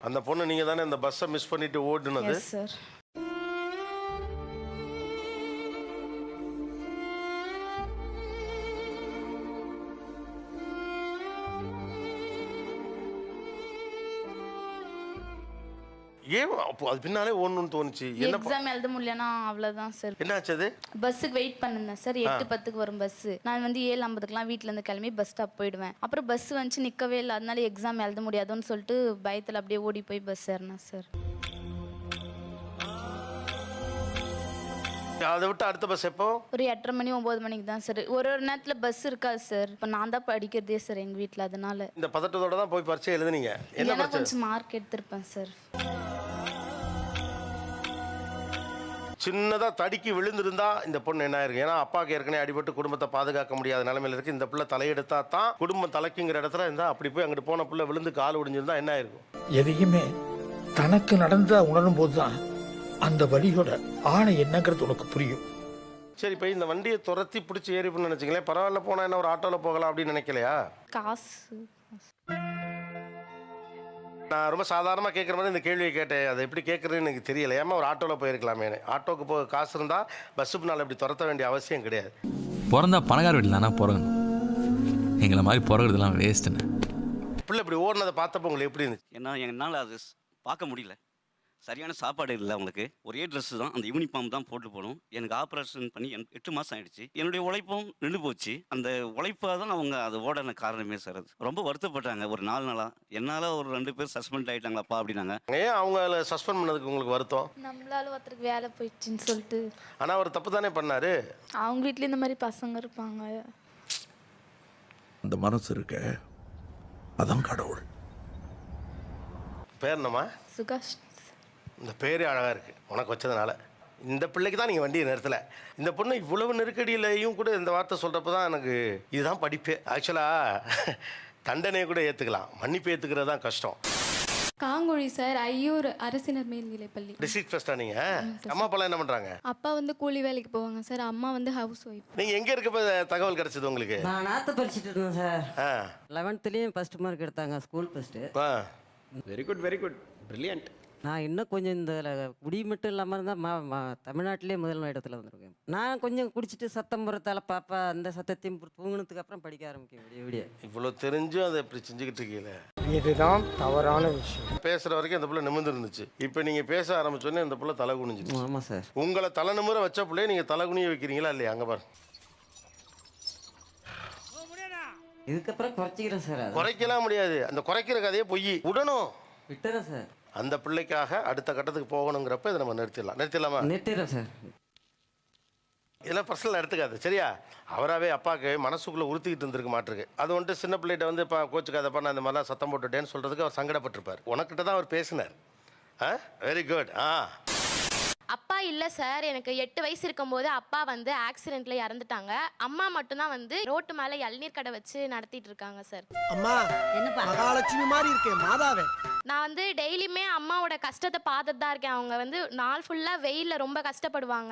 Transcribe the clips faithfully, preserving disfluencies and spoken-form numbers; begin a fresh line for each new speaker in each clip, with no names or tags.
அந்த பொண்ணு நீங்க தானே இந்த பஸ்ஸை மிஸ் பண்ணிட்டு ஓடுனது?
Yes sir.
ஏன் அப்போ அது பின்னாலே ஓடணும்னு தோணுச்சு? என்ன
எக்ஸாம் எழுத முடியலன்னா அவ்வளோதான் சார்.
என்னாச்சு அது?
பஸ்ஸுக்கு வெயிட் பண்ணிருந்தேன் சார். எட்டு பத்துக்கு வரும் பஸ்ஸு. நான் வந்து ஏழு ஐம்பதுக்குலாம் வீட்டில் இருந்து கிளம்பி பஸ் ஸ்டாப் போயிடுவேன். அப்புறம் பஸ் வந்துச்சு நிற்கவே இல்லை. அதனால எக்ஸாம் எழுத முடியாதுன்னு சொல்லிட்டு பயத்தில் அப்படியே ஓடி போய் பஸ் ஏறினேன் சார்.
அதை விட்டு அடுத்த பஸ் எப்போ?
ஒரு எட்டரை மணி ஒன்பது மணிக்கு தான் சார். ஒரு ஒரு நேரத்தில் பஸ் இருக்காது சார். இப்போ நான் தான் படிக்கிறதே சார் எங்கள் வீட்டில். அதனால
இந்த பதட்டத்தோட தான் போய் பரீட்சை எழுதுனீங்க. என்ன
கொஞ்சம் மார்க் எடுத்திருப்பேன் சார்.
சின்னதாக தடுக்கி விழுந்திருந்தா இந்த பொண்ணு என்ன இருக்கு? ஏன்னா அப்பாவுக்கு ஏற்கனவே அடிபட்டு குடும்பத்தை பாதுகாக்க முடியாத நிலைமையில இருக்கு. இந்த பிள்ளை தலையெடுத்தா தான் குடும்பம் தலைக்குங்கிற இடத்துல இருந்தா அப்படி போய் அங்கிட்டு போன பிள்ளை விழுந்து கால் ஒடிஞ்சிருந்தா என்ன ஆயிருக்கும்?
எதையுமே தனக்கு நடந்தா உணரும் போதுதான் அந்த வழியோட ஆணை என்னங்கிறது உனக்கு புரியும்.
சரி, இப்போ இந்த வண்டியை துரத்தி பிடிச்சி ஏறி பண்ணு நினைச்சிங்களேன். பரவாயில்ல, போனா என்ன ஒரு ஆட்டோவில் போகலாம் அப்படின்னு நினைக்கலையா?
காசு
நான் ரொம்ப சாதாரணமாக கேட்குற மாதிரி இந்த கேள்வியை கேட்டேன். அதை எப்படி கேட்குறதுன்னு எனக்கு தெரியல. ஏமா ஒரு ஆட்டோவில் போயிருக்கலாமே. ஆட்டோக்கு போக காசு இருந்தால் பஸ்ஸுக்கு நாள் இப்படி துரத்த வேண்டிய அவசியம் கிடையாது.
பிறந்தா பணக்கார வீட்டில் தானே பிறகணும். எங்களை மாதிரி பிறகுறதுலாம் வேஸ்ட்டுன்னு.
பிள்ளை இப்படி ஓடினதை பார்த்தப்போ உங்களுக்கு எப்படி இருந்துச்சு?
ஏன்னா என்னால் அது பார்க்க முடியல. சரியான சாப்பாடு இல்லை அவங்களுக்கு. ஒரே ட்ரெஸ்ஸு தான், அந்த யூனிஃபார்ம் தான் போட்டு போகணும். எனக்கு ஆப்ரேஷன் பண்ணி என் எட்டு மாதம் ஆகிடுச்சு. என்னுடைய உழைப்பும் நின்று போச்சு. அந்த உழைப்பாக தான் அவங்க அது ஓடன காரணமே சார். அது ரொம்ப வருத்தப்பட்டாங்க ஒரு நாலு நாளாக. என்னால் ஒரு ரெண்டு பேர் சஸ்பெண்ட் ஆகிட்டாங்களாப்பா அப்படின்னாங்க.
ஏன் அவங்கள சஸ்பெண்ட் பண்ணதுக்கு உங்களுக்கு வருத்தம்?
நம்மளால ஒருத்தருக்கு வேலை போயிடுச்சுன்னு சொல்லிட்டு.
ஆனால் அவர் தப்பு தானே பண்ணாரு.
அவங்க வீட்லேயும் இந்த மாதிரி பசங்க இருப்பாங்க.
அந்த மனசு இருக்க அதான் கடவுள்.
பேர் என்னம்மா?
சுகாஷ்.
இந்த பேரே அழகாக இருக்குது உனக்கு வச்சதுனால. இந்த பிள்ளைக்கு தான் நீங்கள் வண்டியை நிறுத்தலை. இந்த பொண்ணு இவ்வளவு நெருக்கடியிலையும் கூட இந்த வார்த்தை சொல்கிறப்ப தான் எனக்கு இதுதான் படிப்பு. ஆக்சுவலாக தண்டனையை கூட ஏற்றுக்கலாம், மன்னிப்பு ஏற்றுக்கிறது தான் கஷ்டம்.
காங்குழி சார், ஐயூர் அரசினர் மேல்நிலைப்பள்ளி.
டிஸ்ட்ரிக்ட் ஃபர்ஸ்டா நீங்கள்? அம்மா அப்பாலாம் என்ன பண்ணுறாங்க?
அப்பா வந்து கூலி வேலைக்கு போவாங்க சார். அம்மா வந்து ஹவுஸ் ஒய்ஃப்.
நீங்கள் எங்கே இருக்கப்போ தகவல் கிடச்சிது உங்களுக்கு?
நான் நாற்று படிச்சுட்டு இருந்தேன் சார்.
ஆ,
லெவன்த்துலேயும் ஃபஸ்ட் மார்க் எடுத்தாங்க, ஸ்கூல் ஃபஸ்ட்டு.
ஆ,
very good very good brilliant.
நான் இன்னும் கொஞ்சம் இந்த குடி மட்டும் இல்லாமல் இருந்தால் மா மா தமிழ்நாட்டிலே முதல் இடத்துல வந்திருக்கேன். நான் கொஞ்சம் குடிச்சிட்டு சத்தம் போகிறதால பாப்பா அந்த சத்தத்தையும் தூங்கினதுக்கு அப்புறம் படிக்க ஆரம்பிக்கும் விடிய விடிய.
இவ்வளோ தெரிஞ்சும் அதை இப்படி செஞ்சுக்கிட்டு இருக்கீங்களே,
இதுதான் தவறான விஷயம்.
பேசுகிற வரைக்கும் அந்த பிள்ளை நிமிர்ந்து இருந்துச்சு. இப்போ நீங்கள் பேச ஆரம்பிச்சோடனே அந்த பிள்ளை தலை குனிஞ்சிச்சு.
ஆமாம் சார்.
உங்களை தலை நிமிர வச்ச பிள்ளைய நீங்கள் தலை குனிய வைக்கிறீங்களா இல்லையா? அங்கே பாரு.
இதுக்கப்புறம் குறைச்சிக்கிறேன் சார். அது
குறைக்கலாம் முடியாது. அந்த குறைக்கிற கதையே பொய். விடணும்,
விட்டுறேன் சார்.
அந்த பிள்ளைக்காக அடுத்த கட்டத்துக்கு போகணுங்கிறப்ப இதை நம்ம நிறுத்திடலாம். நிறுத்திடலாமா?
நிறுத்திடுறேன் சார்.
இதெல்லாம் பர்சனலாக எடுத்துக்காது சரியா? அவராகவே அப்பாவுக்கு மனசுக்குள்ளே உறுத்திக்கிட்டு இருந்திருக்க மாட்டிருக்கு. அது வந்துட்டு சின்ன பிள்ளைகிட்ட வந்து இப்போ கோச்சுக்காதப்பா நான் இந்த மாதிரிலாம் சத்தம் போட்டுட்டேன்னு சொல்கிறதுக்கு அவர் சங்கடப்பட்டிருப்பார். உனக்கிட்ட தான் அவர் பேசினார். ஆ, வெரி குட். ஆ,
அப்பா இல்லை சார். எனக்கு எட்டு வயசு இருக்கும்போது அப்பா வந்து ஆக்சிடென்ட்ல இறந்துட்டாங்க. அம்மா மட்டும்தான் வந்து ரோட்டு மேலே இளநீர் கடை வச்சு நடத்திட்டு இருக்காங்க சார்.
அம்மா என்னப்பா மகாலட்சுமி மாதிரி இருக்கேன் மாதாவே.
நான் வந்து டெய்லியுமே அம்மாவோட கஷ்டத்தை பார்த்துட்டு தான் இருக்கேன். அவங்க வந்து நாள் ஃபுல்லாக வெயிலில் ரொம்ப கஷ்டப்படுவாங்க.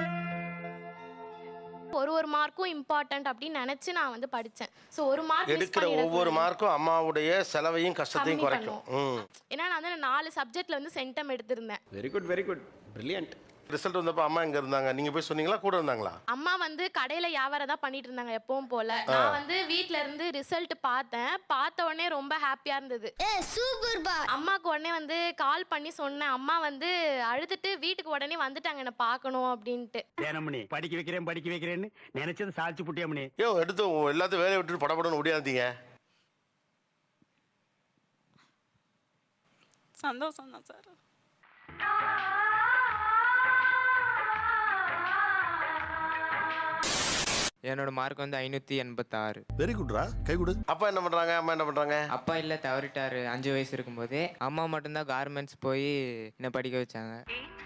ஒரு ஒரு மார்க்கும் இம்பார்ட்டன்ட் அப்படின்னு நினைச்சு நான் வந்து படித்தேன். ஸோ ஒரு மார்க்
எடுக்கிற ஒவ்வொரு மார்க்கும் அம்மாவுடைய செலவையும் கஷ்டத்தையும் குறைக்கும்.
ஏன்னா நான் வந்து நாலு சப்ஜெக்ட்ல வந்து சென்டம் எடுத்திருந்தேன்.
Very good very good brilliant.
Result வந்தப்போ அம்மா எங்கே இருந்தாங்க? நீங்கள் போய் சொன்னீங்களா, கூட இருந்தாங்களா?
அம்மா வந்து கடையில் வியாபாரம் தான் பண்ணிட்டு இருந்தாங்க எப்பவும் போல. நான் வந்து வீட்டில இருந்து ரிசல்ட் பார்த்தேன். பார்த்த உடனே ரொம்ப ஹாப்பியா இருந்தது. அம்மாக்கு உடனே வந்து கால் பண்ணி சொன்னேன். அம்மா வந்து அழுதுட்டு வீட்டுக்கு உடனே வந்துட்டாங்க என்ன பார்க்கணும் அப்படின்ட்டு.
ஏனமணி படிக்க வைக்கிறேன் படிக்க வைக்கிறேன்னு நினைச்சது சாதிச்சு புட்டியமணி.
யோ எடுத்து எல்லாத்தையும் வேலையை விட்டுட்டு படப்படன்னு முடியாதீங்க.
சந்தோஷம் தான் சார்.
என்னோட மார்க் வந்து ஐநூற்றி எண்பத்தாறு.
வெரி குட்ரா, கை கொடு. அப்பா என்ன பண்ணுறாங்க, அம்மா என்ன பண்ணுறாங்க?
அப்பா இல்லை, தவறிட்டாரு அஞ்சு வயசு இருக்கும்போதே. அம்மா மட்டும்தான் கார்மெண்ட்ஸ் போய் என்னை படிக்க வச்சாங்க.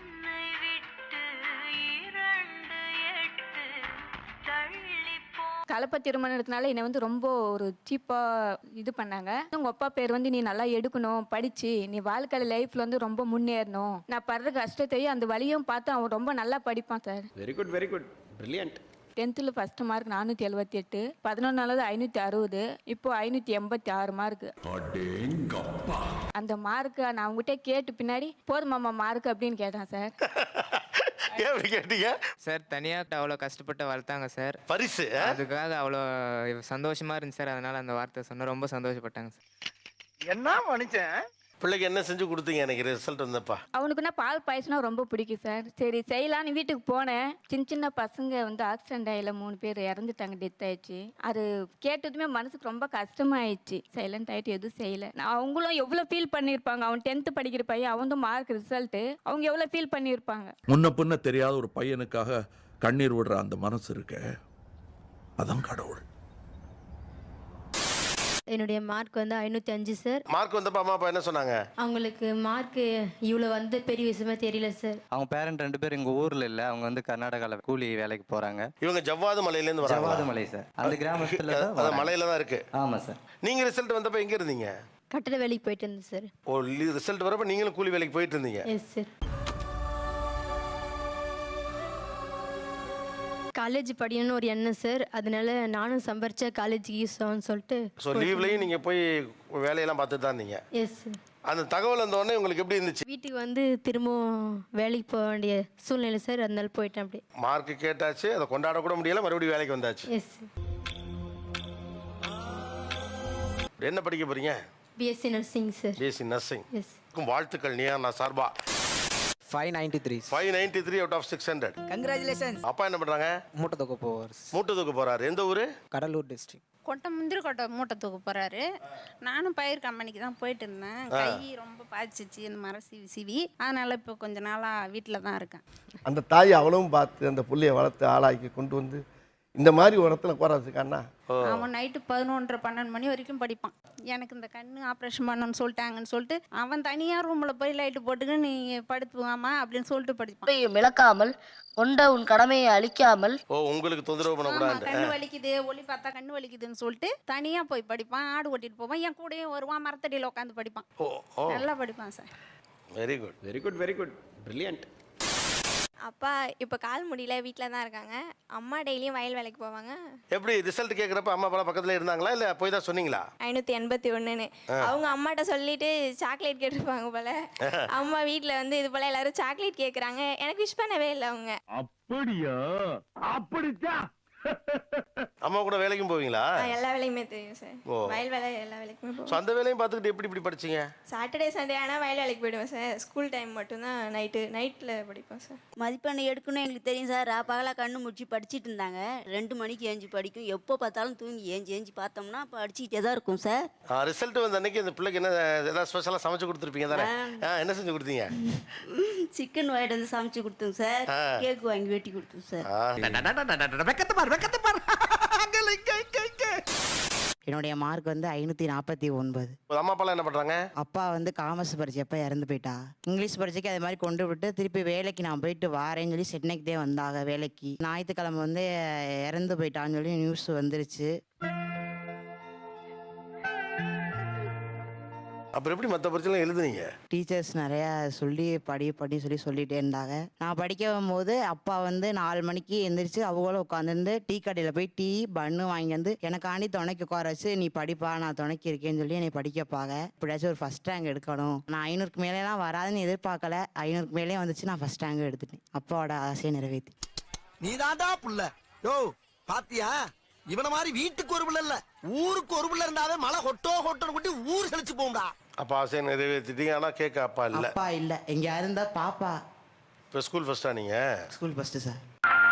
கலப்பை திருமணத்தினால என்னை வந்து ரொம்ப ஒரு சீப்பாக இது பண்ணாங்க. உங்கள் அப்பா பேர் வந்து நீ நல்லா எடுக்கணும், படித்து நீ வாழ்க்கையில் லைஃப்பில் வந்து ரொம்ப முன்னேறணும். நான் படுற கஷ்டத்தையும் அந்த வழியும் பார்த்து அவன் ரொம்ப நல்லா படிப்பான் sir.
Very good very good brilliant.
டென்த்தில் ஃபஸ்ட்டு மார்க் நானூற்றி எழுபத்தி எட்டு பதினொன்றாவது ஐநூற்றி அறுபது இப்போ ஐநூற்றி எண்பத்தி ஆறு மார்க்கு. அந்த மார்க்கு நான் அவங்ககிட்ட கேட்டு பின்னாடி போதுமாம்மா மார்க் அப்படின்னு கேட்டேன் சார்.
எப்படி கேட்டீங்க
சார்? தனியாக அவ்வளோ கஷ்டப்பட்டு வளர்த்தாங்க சார்.
பரிசு
அதுக்காக அவ்வளோ சந்தோஷமா இருந்துச்சு சார். அதனால அந்த வார்த்தை சொன்ன ரொம்ப சந்தோஷப்பட்டாங்க சார்.
என்ன மனுஷன்?
பிள்ளைக்கு என்ன செஞ்சு கொடுத்தீங்க எனக்கு ரிசல்ட் வந்தப்பா?
அவனுக்குன்னா பால் பாயசம்னா ரொம்ப பிடிக்கும் சார். சரி செய்யலான்னு வீட்டுக்கு போனேன். சின்ன சின்ன பசங்க வந்து ஆக்சிடென்ட் ஆகல, மூணு பேர் இறந்துட்டாங்க, டெத் ஆயிடுச்சு. அது கேட்டதுமே மனசுக்கு ரொம்ப கஷ்டமாயிடுச்சு. சைலண்ட் ஆகிட்டு எதுவும் செய்யலை. நான் அவங்களும் எவ்வளோ ஃபீல் பண்ணியிருப்பாங்க. அவன் டென்த்து படிக்கிற பையன், அவன் தான் மார்க் ரிசல்ட்டு, அவங்க எவ்வளோ ஃபீல் பண்ணியிருப்பாங்க.
முன்ன பின்ன தெரியாத ஒரு பையனுக்காக கண்ணீர் விடுற அந்த மனசு இருக்க, அதான் கடவுள்.
என்னுடைய மார்க் வந்து ஐநூற்றி அஞ்சு சார்.
மார்க் வந்தப்ப அம்மா அப்பா என்ன சொன்னாங்க?
அவங்களுக்கு மார்க் இவ்வளோ வந்து பெரிய விஷயமா தெரியல சார்.
அவங்க பேரண்ட் ரெண்டு பேர் எங்கள் ஊரில் இல்லை, அவங்க வந்து கர்நாடகாவில் கூலி வேலைக்கு போகிறாங்க.
இவங்க ஜவ்வாது மலையிலேருந்து வராங்க.
ஜவ்வாது மலை சார், அந்த கிராமத்தில்
தான் மலையில தான் இருக்கு.
ஆமாம் சார்.
நீங்கள் ரிசல்ட் வந்தப்ப எங்கே இருந்தீங்க?
கட்டட வேலைக்கு போயிட்டு இருந்தேன் சார்.
ஓ, ரிசல்ட் வரப்ப நீங்களும் கூலி வேலைக்கு போயிட்டு இருந்தீங்க?
Yes sir. காலேஜ் படிக்கணும்னு ஒரு எண்ணம் சார். அதனால நானும் சம்பாரிச்சா காலேஜுக்கு யூஸ் ஆகும்னு சொல்லிட்டு.
ஸோ லீவ்லையும் நீங்கள் போய் வேலையெல்லாம் பார்த்துட்டு தான் இருந்தீங்க?
Yes sir.
அந்த தகவல் வந்த உடனே உங்களுக்கு எப்படி இருந்துச்சு?
வீட்டுக்கு வந்து திரும்பவும் வேலைக்கு போக வேண்டிய சூழ்நிலை சார். அதனால போயிட்டேன். அப்படி
மார்க் கேட்டாச்சு, அதை கொண்டாட கூட முடியல, மறுபடியும் வேலைக்கு வந்தாச்சு.
Yes sir.
என்ன படிக்க போறீங்க?
BSc nursing sir.
BSc nursing.
Yes.
வாழ்த்துக்கள் நியா நான் சார்பா.
Five ninety three
five ninety three out of six hundred.
Congratulations.
அப்பா என்ன பண்றாங்க?
மூட்டை தூக்க போவார்.
மூட்டை தூக்க போறாரு. எந்த ஊரு?
கடலூர் டிஸ்ட்ரிக்ட்.
கொட்டை முந்திரி கொட்டை மூட்டை தூக்க போறாரு. நானும் பயிர் கம்பெனிக்கு தான் போயிட்டு இருந்தேன். கை ரொம்ப பாதிச்சிச்சு இந்த மரம் சிவி சிவி. அதனால இப்போ கொஞ்ச நாளா வீட்டில் தான் இருக்கேன்.
அந்த தாய் அவளும் பார்த்து அந்த புள்ளைய வளர்த்து ஆளாக்கி கொண்டு வந்து இந்த மாதிரி ஒரு இடத்துல உட்காரச்சுக்காண்ணா.
அவன் நைட்டு பதினொன்றரை பன்னெண்டு மணி வரைக்கும் படிப்பான். எனக்கு இந்த கண்ணு ஆப்ரேஷன் பண்ணணும்னு சொல்லிட்டாங்கன்னு சொல்லிட்டு அவன் தனியாக ரூமில் போய் லைட்டு போட்டுக்கு நீ படுத்துவாமா அப்படின்னு சொல்லிட்டு படிப்பான்.
மிளக்காமல் கொண்ட உன் கடமையை அழிக்காமல்.
ஓ, உங்களுக்கு தொந்தரவு பண்ணக்கூடாது.
கண்ணு வலிக்குது, ஒளி பார்த்தா கண்ணு வலிக்குதுன்னு சொல்லிட்டு தனியாக போய் படிப்பான். ஆடு ஓட்டிட்டு போவான். என் கூடயே வருவான், மரத்தடியில் உட்காந்து படிப்பான். நல்லா படிப்பான் sir.
Very good
very good very good brilliant.
அப்பா இப்போ கால் முடியல, வீட்டில் தான் இருக்காங்க. அம்மா டெய்லியும் வயல் வேலைக்கு போவாங்க.
எப்படி ரிசல்ட் கேட்குறப்ப அம்மா அப்பா பக்கத்தில் இருந்தாங்களா இல்லை போய் தான் சொன்னீங்களா?
ஐநூற்றி எண்பத்தி ஒன்றுன்னு அவங்க அம்மாட்ட சொல்லிட்டு சாக்லேட் கேட்டிருப்பாங்க போல. அம்மா வீட்டில் வந்து இது போல எல்லாரும் சாக்லேட் கேட்குறாங்க. எனக்கு விஷ் பண்ணவே இல்லை அவங்க.
அப்படியா? அப்படித்தான்.
அம்மா கூட வேலைக்கும் போவீங்களா?
எல்லா வேலையுமே தெரியும் சார். வயல் வேலை எல்லா வேலைக்குமே போவோம்.
அந்த வேலையும் பார்த்துக்கிட்டு எப்படி இப்படி படிச்சீங்க?
சாட்டர்டே சண்டே ஆனால் வயல் வேலைக்கு போயிடுவேன் சார். ஸ்கூல் டைம் மட்டும்தான் நைட்டு நைட்டில் படிப்பேன் சார்.
மதிப்பெண் எடுக்கணும் எங்களுக்கு தெரியும் சார். பகலாக கண்ணு முடிச்சு படிச்சுட்டு இருந்தாங்க. ரெண்டு மணிக்கு ஏஞ்சி படிக்கும். எப்போ பார்த்தாலும் தூங்கி ஏஞ்சி ஏஞ்சி பார்த்தோம்னா படிச்சுக்கிட்டே தான் இருக்கும் சார்.
ரிசல்ட் வந்த அன்னைக்கு அந்த பிள்ளைக்கு என்ன ஏதாவது ஸ்பெஷலாக சமைச்சு கொடுத்துருப்பீங்க தானே? என்ன செஞ்சு கொடுத்தீங்க?
சிக்கன் வாங்கிட்டு வந்து சமைச்சு கொடுத்தோம் சார். கேக் வாங்கி வெட்டி கொடுத்தோம் சார்.
என்னுடைய மார்க் வந்து ஐநூற்றி நாற்பத்தி ஒன்பது.
அம்மா அப்பா என்ன பண்ணுறாங்க?
அப்பா வந்து காமர்ஸ் படிச்சப்ப இறந்து போயிட்டா. இங்கிலீஷ் படிச்சக்கு அது மாதிரி கொண்டு விட்டு திருப்பி வேலைக்கு நான் போயிட்டு வாரேன்னு சொல்லி சென்னைக்கு தான் வந்தாங்க வேலைக்கு. ஞாயிற்றுக்கிழமை வந்து இறந்து போயிட்டான்னு சொல்லி நியூஸ் வந்துருச்சு.
அப்புறம் எப்படி மற்ற பரிச்சைலாம் எழுதுனீங்க?
டீச்சர்ஸ் நிறையா சொல்லி படி படி சொல்லி சொல்லிகிட்டே இருந்தாங்க. நான் படிக்க வரும்போது அப்பா வந்து நாலு மணிக்கு எந்திரிச்சு அவங்களும் உட்காந்துருந்து டீ கடையில் போய் டீ பன்னு வாங்கி வந்து எனக்காண்டி துணைக்கு உட்கார வச்சு நீ படிப்பா நான் துணைக்கு இருக்கேன்னு சொல்லி என்னை படிக்கப்பாங்க. இப்படியாச்சும் ஒரு ஃபஸ்ட் ரேங்க் எடுக்கணும். நான் ஐநூறுக்கு மேலேலாம் வராதுன்னு எதிர்பார்க்கல. ஐநூறுக்கு மேலே வந்துச்சு. நான் ஃபஸ்ட் ரேங்க் எடுத்துட்டேன். அப்பாவோட ஆசையை நிறைவேற்றி.
நீ தாண்டா புள்ள. யோ பாத்தியா, இவன மாதிரி வீட்டுக்கு ஒரு பிள்ளை இல்ல ஊருக்கு ஒரு பிள்ளை இருந்தாவே மழை கொட்டோ கொட்டோன்னு கொட்டி ஊர் செழிச்சு போகும்டா.
அப்பா ஆசையை நிறைவேற்றிட்டீங்க. ஆனால் கேட்க அப்பா இல்லை.
அப்பா இல்லை. எங்கே இருந்தா பாப்பா.
இப்போ ஸ்கூல் ஃபர்ஸ்டா நீங்கள்?
School first sir.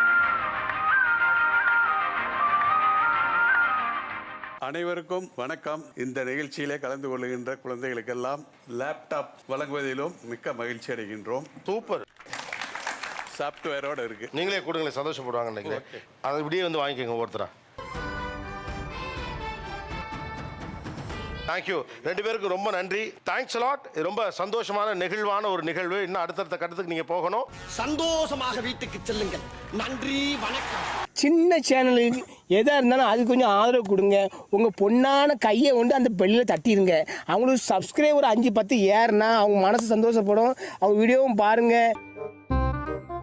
அனைவருக்கும் வணக்கம். இந்த நிகழ்ச்சியிலே கலந்து கொள்கின்ற குழந்தைகளுக்கெல்லாம் லேப்டாப் வழங்குவதிலும் மிக்க மகிழ்ச்சி அடைகின்றோம்.
சூப்பர்.
சாஃப்ட்வேரோட இருக்கு.
நீங்களே கொடுங்களேன், சந்தோஷப்படுவாங்க நினைக்கிறேன். அதை இப்படியே வந்து வாங்கிக்கோங்க ஒருத்தரா. தேங்க்யூ. ரெண்டு பேருக்கு ரொம்ப நன்றி. Thanks lot. ரொம்ப சந்தோஷமான நெகிழ்வான ஒரு நிகழ்வு. இன்னும் அடுத்தடுத்த கட்டத்துக்கு நீங்க போகணும்.
சந்தோஷமாக வீட்டுக்கு செல்லுங்கள். நன்றி, வணக்கம்.
சின்ன சேனலுக்கு எதா இருந்தாலும் அது கொஞ்சம் ஆதரவு கொடுங்க. உங்க பொண்ணான கையை கொண்டு அந்த பெல்லில தட்டிடுங்க. அவங்களுக்கு சப்ஸ்கிரைபர் அஞ்சு பத்து ஏறுனா அவங்க மனசு சந்தோஷப்படும். அவங்க வீடியோவும் பாருங்க.